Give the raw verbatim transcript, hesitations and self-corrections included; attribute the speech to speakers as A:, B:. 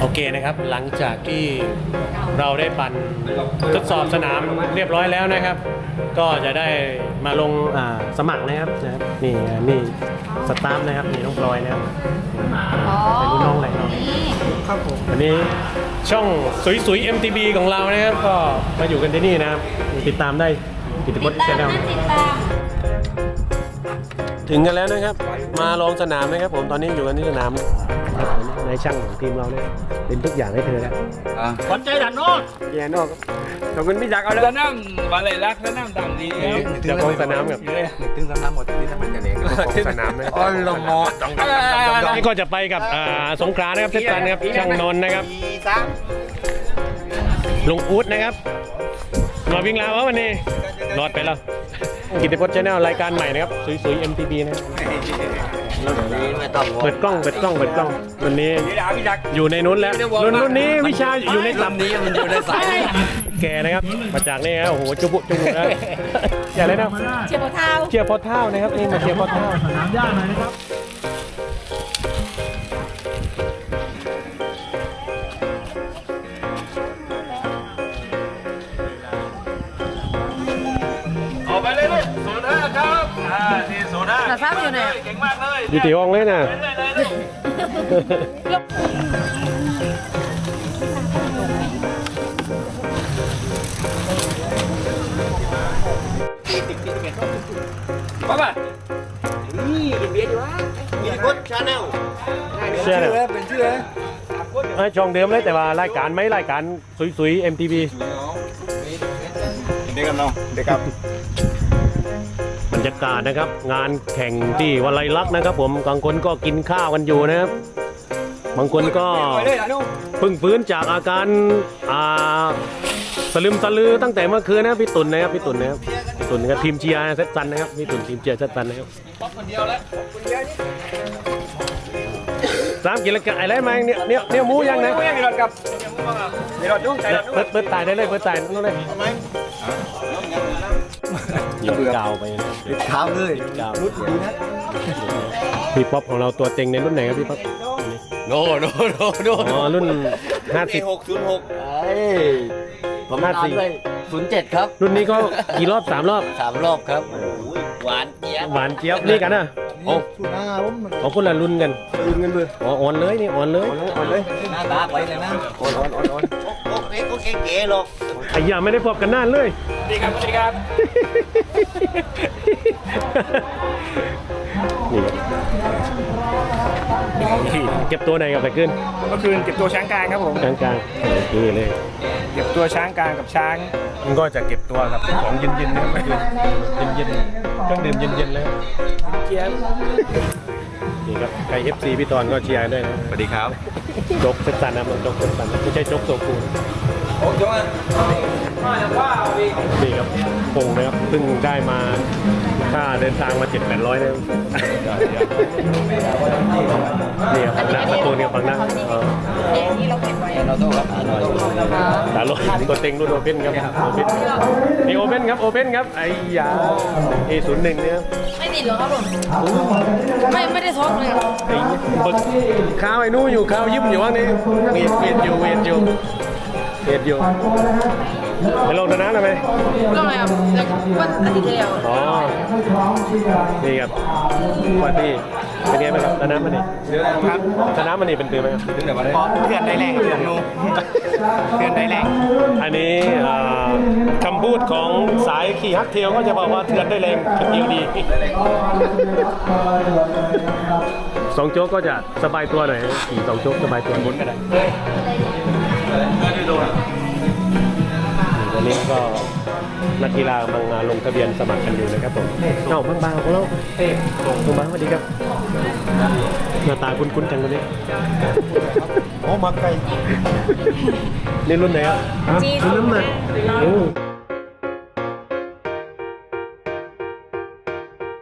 A: โอเคนะครับหลังจากที่เราได้ปั่นทดสอบสนามเรียบร้อยแล้วนะครับ ก็จะได้มาลงสมัครนะครับนะครับนี่นี่สตาฟนะครับนี่น้องพลอยนะครับเป็นรุ่นน้องอะไรน้องครับผมวันนี้ช่องสวยๆ เอ็ม ที บี ของเรานะครับก็มาอยู่กันที่นี่นะครับติดตามได้กิตติพจน์แชนแนลถึงกันแล้วนะครับมาลองสนามนะครับผมตอนนี้อยู่กันที่สนามในช่างของทีมเราเนี่ยเป็นทุกอย่างให้เธอแล้ว
B: ขวัญใจด่านนอก
A: แย่นอกขอบคุณพี่จักรเอาเลย
B: สนามบาเล่รักสนามต่างดี
A: จะลงสนามกับ
C: ถึงสนามหมดที่ทำมันกันเอง
A: สนามเลย
C: อ๋อลงมอ
A: นี่ก็จะไปกับสงขลานะครับเทศกาลนะครับช่างนนท์นะครับลุงอู๊ดนะครับมาวิ่งลาววันนี้รอดไปแล้วกิตติพจน์ชาแนลรายการใหม่นะครับสวยๆ เอ็ม ที บี นะเปิดกล้องเปิดกล้องเปิดกล้องวันนี้อยู่ในนู้นแล้วรุ่นรุ่นนี้วิชาอยู่ในลำนี้มันอยู่ในสายแกนะครับมาจากนี่ฮะโอ้โหจุบุจุบุแล้วอย่าเลยนะ
D: เชียร์พอเท้า
A: เชียร์พอเท้านะครับนี่มาเชียร์พอเท้า
B: สนามหญ้าหน่อยนะครับออกไปเลยลูกศูนย์ห้าครับอ่าที่ศูนย์ห้า
D: แต่ทราบอยู่ไหน
B: เก่งมากเลย
A: อยู่ที่ห้องเลยนะ
B: ป้าป่ะ
C: นี่กินเบียร์ดีวะกิตติพจน์ชาแนล
A: เชื่อเลย
C: เป็นชื่อเลย
A: ไอ้ช่องเดิมเลยแต่ว่ารายการไม่รายการสวยๆ เอ็ม ที บี
C: เด็กกันเนาะเด็กครับ
A: บรรยากาศนะครับงานแข่งที่วัลัยลักษณ์นะครับผมบางคนก็กินข้าวกันอยู่นะครับบางคนก็เพิ่งฟื้นจากอาการอ่าสลืมสลือตั้งแต่เมื่อคืนนะพี่ตุ่นนะครับพี่ตุ่นนะครับพี่ตุ่นกับทีมเชียร์เซตซันนะครับพี่ตุ่นทีมเชียร์เซตซันนะครับสามกิโลกรัมอะไรมาเนี่ยเนี่ยเนี่ยหมูยังนะ
B: หมูยังมีรถกับมีรถยุ่งใจรถยุ่ง
A: เปิดเปิดตายได้เลยเปิดตายนั่นเลยยิงกาวไป
C: ติดเท้าเลยรุดดีนะ
A: พี่ป๊อปของเราตัวเต็งในรุ่นไหนครับพี่ป๊อป
C: โนโนโนโน
A: อ๋อรุ่นห้าสิบ
C: หกศูนย์หกเอ้ยผม
A: ห้าสิบ
C: ศูนย์เจ็ดครับ
A: รุ่นนี้ก็กี่รอบสามรอบ
C: สามรอบครับหวานเจี๊ยบ
A: หวานเจี๊ยบนี่กันนะโอ้เขาคนละรุ่นกัน
C: รุ่นกันเลย
A: อ๋ออ่อนเลยนี่อ่อนเลย
C: อ่อนเลยหน้าตาไปเลยนะอ่อนอ่อนอ่อนอ่อนโอ้เอ๊ะโอเคเก๋หรอก
A: ไอ้ยาไม่ได้พบกันนานเลย
B: ดีครับสวัสดีครับ
A: นี่เก็บตัวไหนกับไปขึ้น
B: เมื่อคืนเก็บตัวช้างกลางครับผม
A: ช้างกลางนี่เลย
B: เก็บตัวช้างกลางกับช้าง
A: มันก็จะเก็บตัวกับของเย็นๆนะเมื่อคืนเย็นๆเครื่องดื่มเย็นๆแล้ว
B: เชียร์
A: นี่ครับใคร เอฟ ซี พี่ตอนก็เชียร์ด้วยนะ
C: สวัสดีครับ
A: จกเซตซันนะมันจกเซตซันไม่ใช่จกโซคู
B: โอ้ยว่า
A: นี่ครับพงนะครับซึ่งได้มาค่าเดินทางมาเจ็ดแปดร้อยนะนี่ครับนะประตูนี่ฝั่งนั้น
D: ที่เราเก็บไว้
C: เราต้องรับอร่อย
A: ตาโลตัวเต็งรุ่นโอเพ่นครับโอเพ่นนี่โอเพ่นครับโอเพ่นครับไอ้ยา เอ ศูนย์หนึ่งเนี่ย
D: ไม่ติดหรอครับผมไม่ไม่ได้ท้องเลย
A: ไอ้บึกข้าวไอ้นู่อยู่ข้าวยิ้มอยู่ว่างนี่เวียดเวียดอยู่เวียดอยู่เวียดอยู่ไปลงตะน้ำได้ไหม
D: ลงเลยครับวันอาทิตย์ที่แล้ว
A: อ๋อนี่ครับวันที่เป็นไงบ้างครับตะน้ำมันนี่
B: ครับ
A: ตะน้ำมันนี่เป็นตื่นไหมครับ
B: ตื่นแต่วันเพื่อนได้แรงเพื่อนนูเพื่อนได้แรง
A: อันนี้คำพูดของสายขี่ฮักเทลก็จะบอกว่าเถื่อนได้แรงคิดเดียวดีสองโจ๊กก็จะสบายตัวหน่อยขี่สองโจ๊กสบายตัวบนก็ได้วันนี้ก็นักกีฬากำลังลงทะเบียนสมัครกันอยู่นะครับผมเอ้าบางบางของเราเฮ้ยบางบางสวัสดีครับหน้าตาคุ้นๆจังคนนี้
C: โอ้มาไกล
A: นี่รุ่นไหนอ่ะรุ่นน้ำหนัก